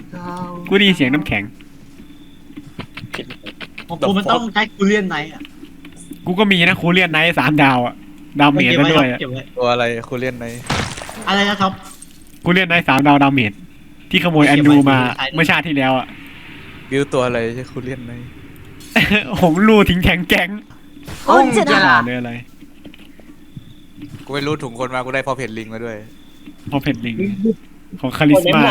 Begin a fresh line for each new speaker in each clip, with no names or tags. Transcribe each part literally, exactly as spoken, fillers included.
กูได้ยินเสียงน้ำแข็ง
ของกูมันต้องใช้คูเลียนไนท์อ่ะ
กูก็มีนะคูเลียนไนท์สามดาวอะดาวเมจ
เก็บ
มา
ไว้
ด้วยอะ
เก็บไว้
ตัวอะไรคูเลียนใน
อะไรนะครับ
คูเลียนไนท์สามดาวดาวเมจที่ขโมยอันดูมาเมื่อชาติที่แล้วอะ
บิวตัวอะไรใช่คูเลียนใน
หงลูทิ้งแข็งแก๊ง
โอ้ยจะ
ด่า
ด่า
เลยอะไร
กูไม่รู้ถุงคนมากูได้พอเพจลิงมาด้วย
พอเพนลิงของคาริสมา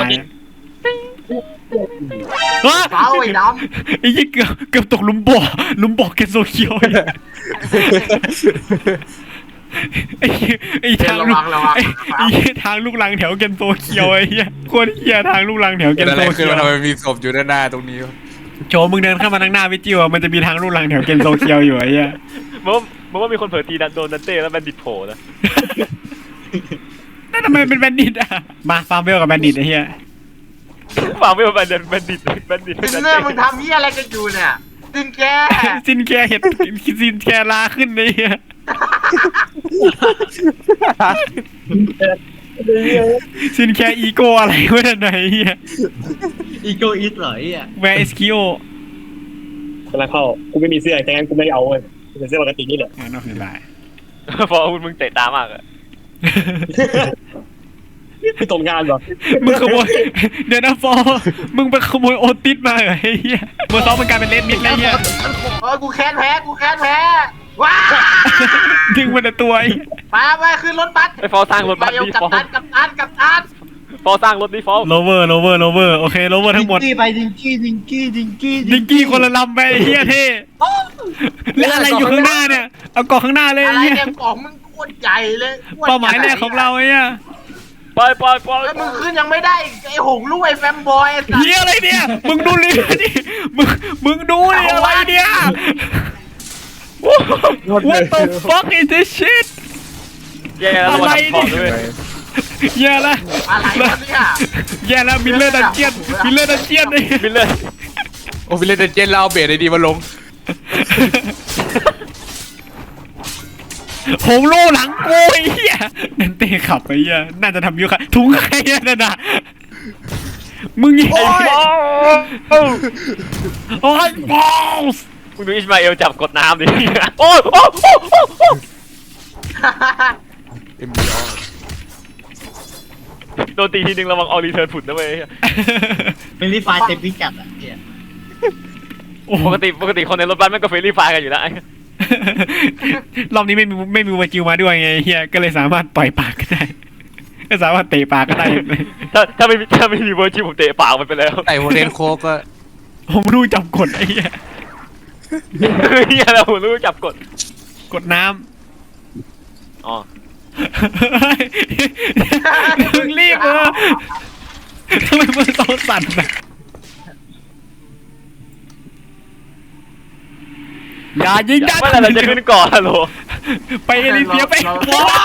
ว้า
เฝ้าไอ้ด
ไอ้ยี่เกือบเกือบตกหลุมบ่อหลุมบ่อเกนโซเคียวไอ้ไอ้ทางลูกไอ้ไอ้ทางลูกลังแถวเกนโซเคียวไอ้เหี้ยโคตรเหี้ยทางลูกลังแถวเก
เกิด
น
อะไร
โซ
ขึ้
เคี
น
ยว
มาทำไมมีศพอยู่ด้านหน้าตรงนี้วะ
โจมึงเดินเข้ามาทางหน้าวิจิวมันจะมีทางลูกลังแถวเกนโซเคียวอยู่ไอ้เหี้ย
มึงมึงว่ามีคนเผลอตีดันโดนดันเต้แล้วแบนดิตโผล่นะ
นั่นทำไมเป็นแบนดิตอะมาฟาร์มเวลกับแบนดิตไอ้เหี้ย
ฟังไม่ว่าแบนดิตแบนดิตแบนดิต
ดินเนอร์มึงทำเหี้ยอะไรกันอยู่เนี่ยดินแก
ซินแคร์เห็ดซินแคร์ลาขึ้นไอ้เหี้ยซินแคร์อีโก้อะไรวะนั่นไหนเหี้ย
ำอีโกอิสเหรอไอ้อ่ะ
แวร์เอสคิโอ
คนละเข้ากูไม่มีเสื้อแต่งั้นกูไม่เอาเว้ยเป็นเสื้อปกตินี่แหละ
งั้นก็คือได้
พอมึงเตะตามากอะ
พี่ตรงงานเหรอ
มึงขโมยเดี๋ยวนะฟอมึงไปขโมยโอติสมาเหรอไอ้เหี้ยเบอร์สองมันกลายเป็นเลดมิดแล้วเหี้ย
เออกูแค้นแพ้กูแค้นแพ้ว้า
ดึงมันแต่ตัวไอ้
มาไปขึ้นรถบัส
ไอ้ฟอสร้างรถบัส
เร็ว
ดิ
กับ
ฟอ
ตันกับตันกับตัน
ฟอสร้างรถดิฟอ
โลเวอร์โลเวอร์โลเวอร์โอเคโลเวอร์ทั้งหมด
ดิงกี้ไปดิงกี้ดิงกี้ดิงกี้
ดิงกี้คนละลำไปไอ้เหี้ยเท่แล้วอะไรอยู่ข้างหน้าเนี่ยเอาเกาะข้างหน้าเลย
อะ
ไอ้
ไร
เหี้ย
เนี่ยกล่องมึงโคตรใหญ่เลยโคตร
เป้าหมายแรกของเราไอ้เหี้ย
ไปไปไป
แล้วมึงขึ้นยังไม่ได้ไอ้หงลูกไอ้แฟมบอยไอ้สัส
เหี้ยอะไรเนี่ยมึงดูเลยดิมึงมึงดูดิอะไรเนี่ย What the fuck is this shit
แย่แล้วมาทำของด้วย
แย่ละ
อะไรวะเนี่ย
แย่ละมิลเลอร์ดันเจียนมิลเลอร์ดันเจียนไอ้
มิลเลอร์
โอ้ฟิเลนเดนเจนเราเอาเบรดไอ้ดีมาลง
หงโลหลังกูไอ้เหี้ยนั่นเตะขับไอ้เหี้ยน่าจะทำยุค่ะถุงใครอะนั่นน่ะมึงยิง
ไอ้ฟอ
โอ้ยบอส
มึงดูอิสมาเอลจับกดน้ำดิโอ้โอ้โอ้โอ้โอ้
เอ็มบีอ
โดนตีทีนึงระวังออรีเทิร์นผุดนะเว้ย
เป็นรีไฟล์เต็มพิกัดอ่ะเนี่ย
ปกติปกติคนในรถบัสมันก็เฟรนลี่ไฟกันอยู่แล้ว
รอบนี้ไม่มีไม่มีวาจิวมาด้วยไงเฮียก็เลยสามารถปล่อยปากก็ได้ก็สามารถเตะปากก็ได้
ถ้าถ้าไม่ถ้าไม่มีเวอร์จิผมเตะปากมันไปแล้ว
ไต่โฮเทนโคกก็
ผมรู้จับกดไอ้เหี้ย
เฮียเรารู้จับกด
กดน้
อ๋อ
ำมึงรีบเออทำไมมือโตสั่นนะอย่ายิงด้าน
เมื่อไหร่เราจะขึ้นก่อนฮัลโหล
ไปเอลิเซียไปว้าว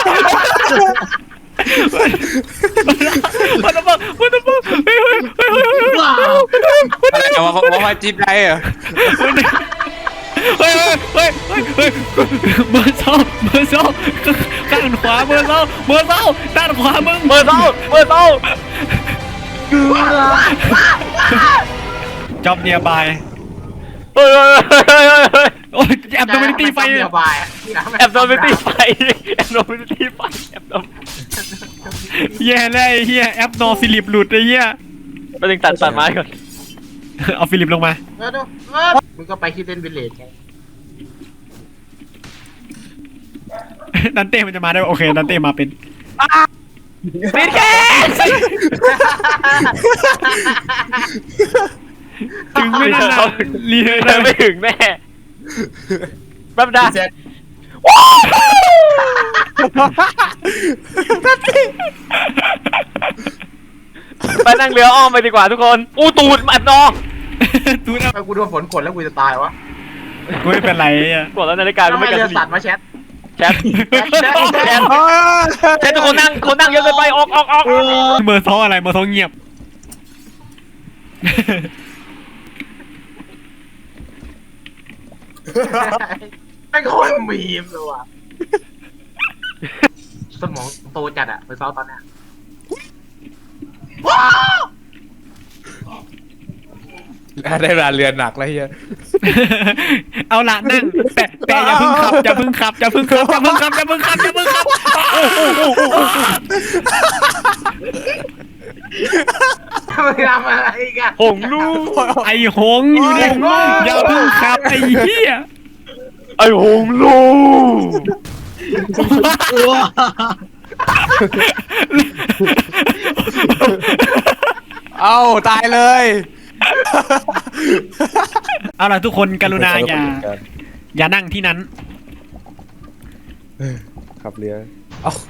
มันจะบอกมันจะบอกเฮ้ยเฮ้ยเฮ้ยเฮ้ย
ว้าว
อะไรอะว่าว่าว่าจีบได้เหรอ
เฮ้ยเฮ้ยเฮ้ยเฮ้ยเบอร์สองเบอร์สองข้างขวาเบอร์สองเบอร์สองด้านขวามึง
เบอร์เต้าเบอร์เต้า
จ็อบเนียบาย
เฮ้ยเฮ้ยเฮ้ยเฮ้ย
โอ้ยแอบโดนตีไฟ
เดียวบาย
แอบโดนไปตีไฟแอบโดนไปตีไฟแอบโดน
แย่เลยเฮียแอปนอฟิลิปหลุดไอ้เฮีย
ไปถึงตัดตัดไม้ก่อน
เอาฟิลิปลงมา
เออดูเออมึงก็ไปคิดเล่นวิลเลจไง
ดันเต้มันจะมาได้โอเคดันเต้มาเป็น
ปิดแค่
ถึงไม่ได้นะรีเทิร์น
เดินไม่ถึงแน่แป๊บนะ ไปนั่งเรืออ้อมไปดีกว่าทุกคนอู้ตูดอัดนอ
ตูนะ
ไปกูโดนฝนกดแล้วกูจะตายวะ
กูไม่เป็นไรอ่ะ
กดแล้วนาฬิกาก็
ทำไม
ไม่กระ
เรือ
ดิ
สั
ก
ตว์มาแชท
แชทแชทแชทแชททุกคนนั่งคนนั่งเยอะเกินไปออกออกออก
เบอร์สองอะไรเบอร์สองเงียบ
ไม่งโคตรมีมเลยว่ะสมองโตจัดอะไปซ้อมตอนเนี้ยว้าว
ได้เวลาเรือหนักแล้วเฮีย
เอาละนั่งแต่แต่อย่าเพิ่งขับอย่าเพิ่งขับอย่าเพิ่งขับอย่าเพิ่งขับอย่าเพิ่งขับอย่าเพิ่งขับ
มึงทำอะไรกัน
หงลูก
ไอ้หงอยู่ในอย่าเพิ่งขับไอ้เหี้ย
ไอ้หงลูก
ว้า
เอ้าตายเลย
เอาล่ะทุกคนกรุณาอย่าอย่านั่งที่นั้น
ขับเรือเอ้า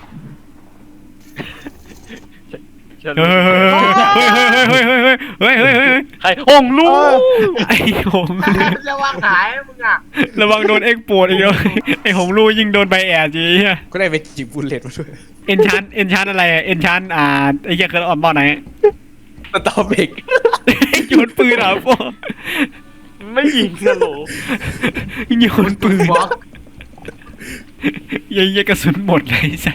เฮ้ยเฮ้ยเฮ้ยเฮ้ยเฮ้ยเฮ้ยเฮ้ยเฮ้ยเฮ้ยเฮ้ย
ใครหงลูก
ไอ้หง
จะวางขายมึงอ่ะ
ระวังโดนเอ็กโปดอีกแล้วไอ้หงลูยิงโดนใบแอดจีเหี้ย
ก็ได้ไปจิบบุลเลตมาด้วย
เอ็นชันเอ็นชันอะไรเอ็นชันอ่าไอ้เหี้ยเคยออนบอลไหน
สตอเบก
โยนปืนเหรอพวก
ไม่ยิงนะโหล
โยนปืน
บล็อก
ยังยังกระสุนหมดเลยสัส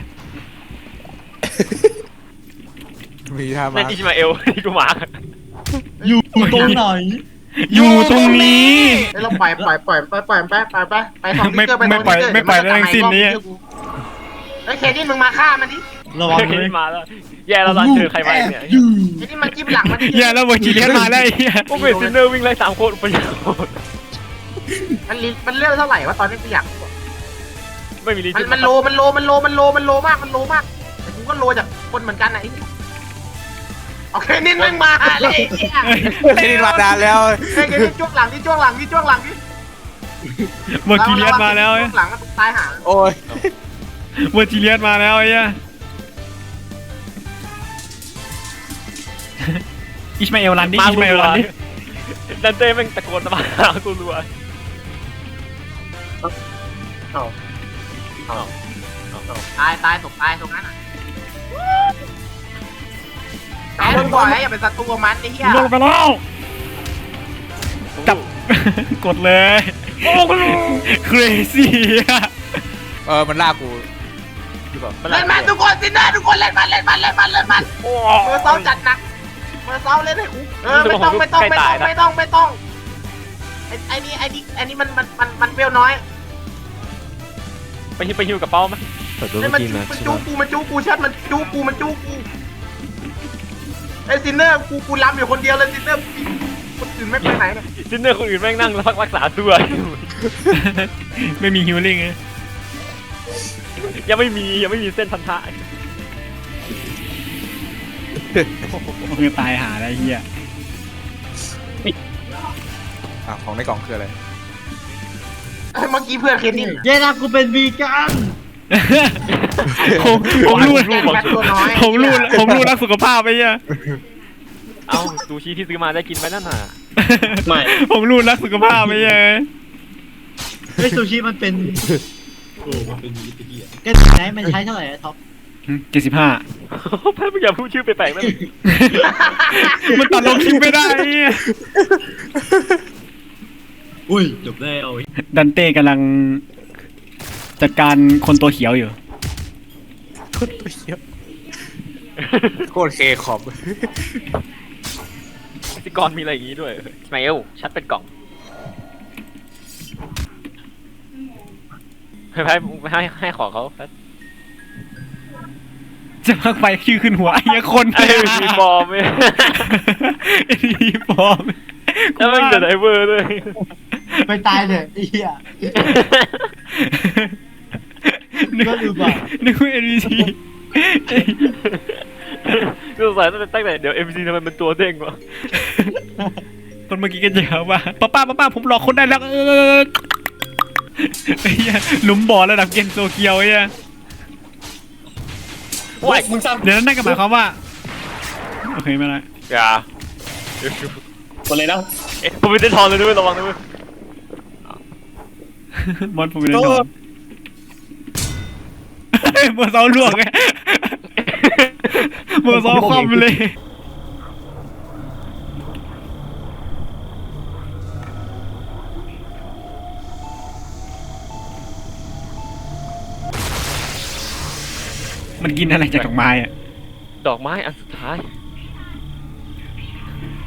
มีท่า
นั่
มาน
อิชมาเอลนี่กูมา
อยู่ตรงไหน
อยู่ตรงนี้
ไอ้เราปล่อยปล่อยปล่อยปล่อยปล่อยไปไปไปไปทำ
ไม่ไม่ปล่อยไม่ปล่อยแล้วทั้งสิ้นนี้
ไอ้เคนี่มึงมาฆ่ามันดิ
ระวัง
โอเค
เลย
มาแล้วแย่แล้วตอนเจอใครมาเนี่ย
อยู่
ไอ้นี่มันจิ้มหลังมันดิ
อย่าแล้วเวอร์จิเลียนมาแล้วไอ้เหี้ย
พวกเวสซินเนอร์วิ่งไล่สามโคตรประหยัด
มันลิมันเลือกเท่าไหร่วะตอนนี้กูอยาก
ไม่มีลิ
มันมันโลมันโลมันโลมันโลมันโลมากมันโลมากแต่กูก็โลจากคนเหมือนกันนะไอ้โอเคนี่มึงมาเลยไอ้เหี้ย
ไม่ได้มานานแล้ว
ไอ้เคนี่จ้วงหลังที่จ้วงหลังที่จ้วงหลังที่
เวอร์จิเลียนมาแล้ว
จ้วงหลังก็ตายหา
โอ้ย
เวอร์จิเลียนมาแล้วไอ้เหี้ยอิชมาเอลรันดิอิชมาเอลรันดิ
ดันเต้แม่งตะโกนมาหากูรัว
ตายตายตกตายตรงนั้นอ่ะแต่มึงบอกแล้วอย่าเป็นศัตรูกับมันไอ้เหี้ย
ลงไปแล้วจับ กดเลย
โอ้กูรู้
crazy
เออมันลากกูหรือเปล่า
เล่นมันทุกคนสินะทุกคนเล่นมันเล่นมันเล่นมันเล่นมัน
โอ้
มือเซ้าจัดหนักมือเซ้าเล่นให้กูเออไม่ต้องไม่ต้องไม่ต้องไม่ต้องไม่ต้องไอ้ไอ้นี่ไอ้นี่ไอ้นี่มันมันมันมันเปรี้ยวน้อย
ไปฮิวไปฮิวกับเป้าไหม
ไอ้มันมันจูกูมันจูกูชัดมันจูกูมันจูกูไอ้ซินเนอร์กูกูล้ำอยู่คนเดียวเลยซินเนอร์คนอื่นไม่ไปไหนเลย
ซินเนอร์คนอื่นแม่งนั่งพักรักษาตัว
ไม่มีฮิลลิ่งไง
ยังไม่มียังไม่มีเส้นพันธะ
โอเคตายหาได้เหี้ย
อ่ะของในกล่องคืออะไร
เมื่อกี้เพื่อนเคนนี่
เย้นะกูเป็นวีกัน
ผมผมรู้
แบบตัวน้อย
ผมรู้ผมรู้รักสุขภาพไปเหี้ย
เอ้าซูชิที่ซื้อมาได้กินไปนั่นน่ะ
ไม่
ผมรู้รักสุขภาพไปเหี้ย
ไอ้ซูชิมันเป็นโอ้มันเป็นวีกันแกไหนมันใช้เท่าไหร่อะท็อป
เจ็ดสิบห้า
แพ้ไม่อยากพูดชื่อไปแปลกๆนั่น
มันตัดลงคลิปไม่ได้เหี้ย
อุ้ยจบได้เอา
ดันเต้กำลังจัดการคนตัวเขียวอยู่
โคตรตัวเหี้ยโคตรเคขอบ
พิกรมีอะไรอย่างงี้ด้วยสมัยเอลชัดเป็นกล่องให้ให้ให้ให้ของเขา
จะพักไปชื่อขึ้นหัวไอ้เหี้ยคน
ไอ้มีบอมไหม
ไอ้มีบอม
แล้วมันเกิดไอเวอร์ด้วย
ไปตายเถอะไอ้เหี้ย
นึก
ก็ดูบ่า
นึกว่าเอ็นบีซี
สงสัยตั้งแต่ตั้งแต่เดี๋ยวเอ็มซีทำไมมันตัวเด้งวะ
คนเมื่อกี้ก็จะหาว่าป้าป้าป้าป้าผมหลอกคนได้แล้วเออไอ้เหี้ยหลุมบ่อระดับเกมโซเกียวไอ้เหี้ย
ว้าย
มึงซ้
เดี๋ยวนั่นก็หมายความว่าโอเคไม่ได้
อย่า
ำหมดเลยนะ
เอ๊ะผมไม่ได้ทอนเลยด้วยระวังด้วย
มอนผมไม่ได้นอนเฮ้ยเบอร์สองลวกไงเบอร์สองคว่ำไปเลยมันกินอะไรจากดอกไม้อะ
ดอกไม้อันสุดท้าย